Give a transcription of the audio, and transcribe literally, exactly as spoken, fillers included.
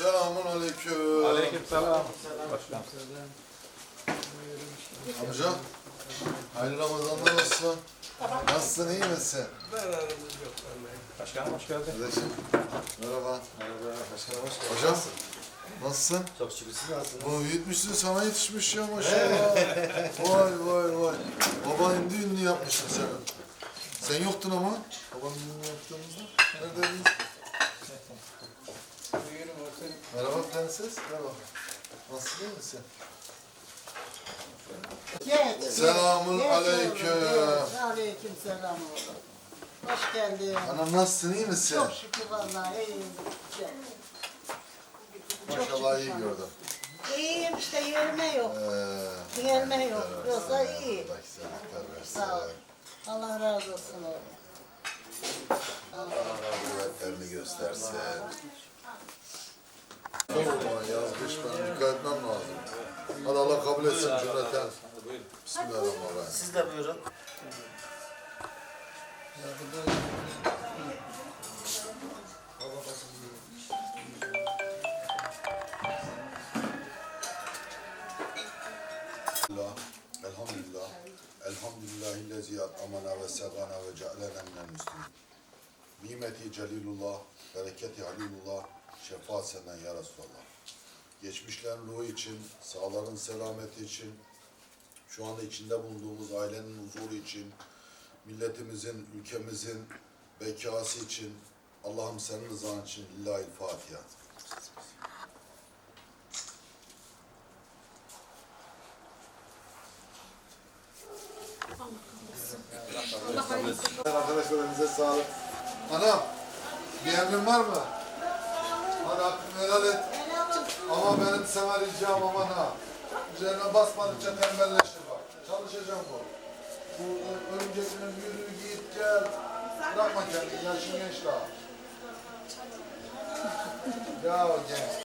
Selamun aleyküm. Aleykümselam. Başkanım. Amca, hayırlı Ramazanlar olsun. Nasılsın, iyi misin? Başkanım hoş geldin. Kardeşim, merhaba. Merhaba, başkanım hoş geldiniz. Hocam, nasılsın? Çok şükür, siz nasılsınız? Bu büyütmüşsün, sana yetişmiş ya maşallah. Vay vay vay. Babanın düğününü yapmışsın sen. Sen yoktun ama. Babanın düğününü yaptığımızda. Neredeydin? Merhaba prenses, merhaba. Nasılsın, iyi misin? Geç. Selamun geç aleyküm. oğlum, geç. Aleyküm selam oğlum. Hoş geldin. Anam nasılsın, iyi misin? Çok şükür vallahi iyiyim. Maşallah iyi gördüm. İyiyim işte yerine yok. Ee, Yerine yok. evet, Yoksa evet, iyi. Allah güzellikler versin. Sağ ol. Allah razı olsun oğlum. Allah kuvvetlerini göstersin. Aman yazmış, ben dikkat etmem lazım. Hadi Allah kabul etsin cümleten. Bismillahirrahmanirrahim. Siz de buyurun. Elhamdülillah, elhamdülillah, elhamdülillahillezî at'amana ve segana ve cealena minel müslimin. Nimeti celilullah, bereketi halilullah, şefaat senden ya Resulallah. Geçmişlerin ruhu için, sağların selameti için, şu anda içinde bulunduğumuz ailenin huzuru için, milletimizin, ülkemizin bekası için, Allah'ım senin rızan için Lillahi'l Fatiha. Arkadaşlar elinize sağlık. Anam, bir emrin var mı? Hadi hakkını helal et. Ama benim sana ricam aman ha. Üzerine basmadıkça tembelleşir bak. Çalışacağım bu. Bu örümceklerin yürü git gel. Bırakma kendini, yaşın genç daha. Ya genç.